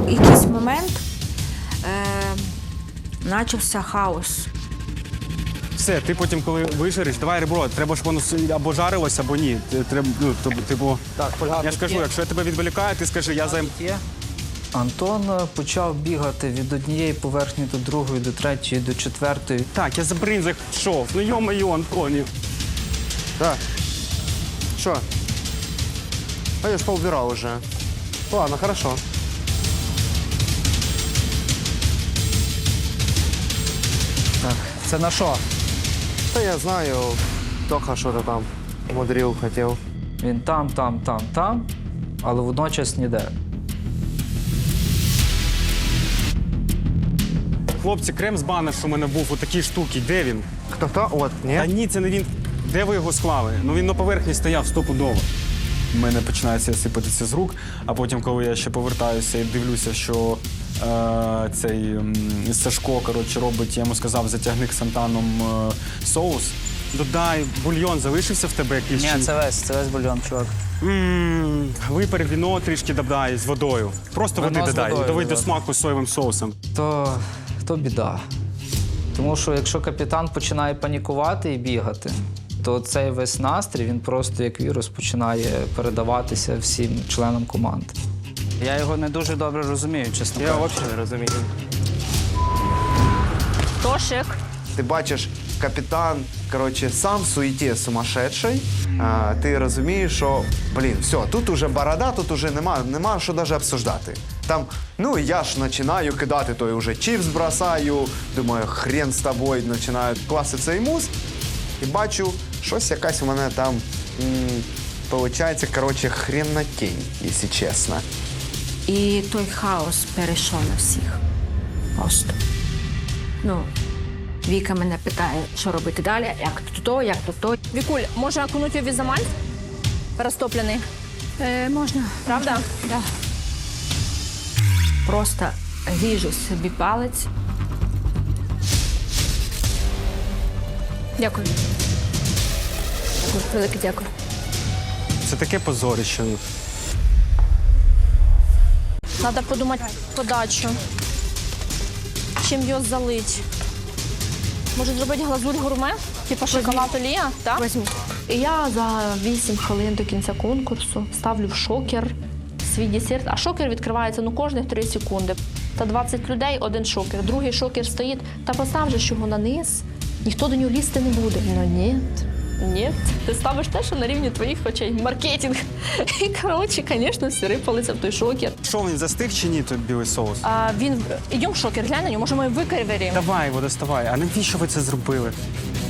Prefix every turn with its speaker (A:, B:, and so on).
A: якийсь момент почався хаос.
B: Все, ти потім, коли вижариш, давай ребро, треба, щоб воно або жарилось, або ні. Треба, ну, типу,
C: Так, фольга
B: я ж кажу, якщо я тебе відволікаю, ти скажи, я займ...
C: Антон почав бігати від однієї поверхні до другої, до третьої, до четвертої.
B: Так, я за бринзах йшов. Ну, йо-моє, Антонів.
D: Да. Что? А я ж поубирал уже. Ладно, хорошо.
C: Так, це на що?
D: Да я знаю, Тоха что-то там мудрил, хотел.
C: Він там, але водночас ніде.
B: Хлопці, крем з бана, що в мене був у такій штуці, де він?
D: Кто-то? Вот,
B: Та
D: нет?
B: ні, це не він. Де ви його склали? Ну він на поверхні стояв стопудово. У мене починається сипатися з рук, а потім, коли я ще повертаюся і дивлюся, що цей Сашко, коротше, робить, я йому сказав, затягни ксантаном соус. Додай, бульйон залишився в тебе якийсь?
C: Ні,
B: чи-
C: це весь бульйон, чувак.
B: Випар віно трішки додай з водою. Просто
C: Вино
B: води
C: з
B: додай.
C: водою,
B: Доведь до
C: да.
B: смаку з соєвим соусом.
C: То біда. Тому що якщо капітан починає панікувати і бігати, то цей весь настрій, він просто як вірус починає передаватися всім членам команди. Я його не дуже добре розумію, чесно
D: Я
C: кажучи.
D: вообще не розумію.
E: Тошик.
D: Ти бачиш, капітан, короче, сам в суеті сумасшедший. Ти розумієш, що, блін, все, тут уже борода, тут уже нема що навіть обсуждати. Там, ну, я ж починаю кидати, той уже чіпс бросаю, думаю, хрен з тобою, починаю класти цей мус. І бачу, щось якась у мене там, получається, короче, хренотень, якщо чесно.
A: І той хаос перейшов на всіх. Просто. Ну, Віка мене питає, що робити далі, як тут то, як тут то.
E: Вікуль, може окунуть його в ізомаль? Розтоплений.
A: Можна.
E: Правда?
A: Да. Просто ріжу собі палець.
E: Дякую. Велике дякую.
B: Це таке позорище.
E: Треба подумати подачу. Чим його залить? Може зробити глазурь гурме? Типа шоколад олія? Так?
A: Візьміть.
E: І я за 8 хвилин до кінця конкурсу ставлю в шокер свій десерт. А шокер відкривається кожних 3 секунди. Та 20 людей, один шокер. Другий шокер стоїть. Та постав же ж його на низ. Ніхто до нього лізти не буде. Ну ні. Ні. Ти ставиш те, що на рівні твоїх очей. Маркетинг. І, коротше, звісно, всі рипалися в той шокер.
B: Що, він застиг чи ні, той білий соус?
E: Ідемо в шокер, глянь на нього, може ми викривіримо.
B: Давай його доставай. А навіщо ви це зробили?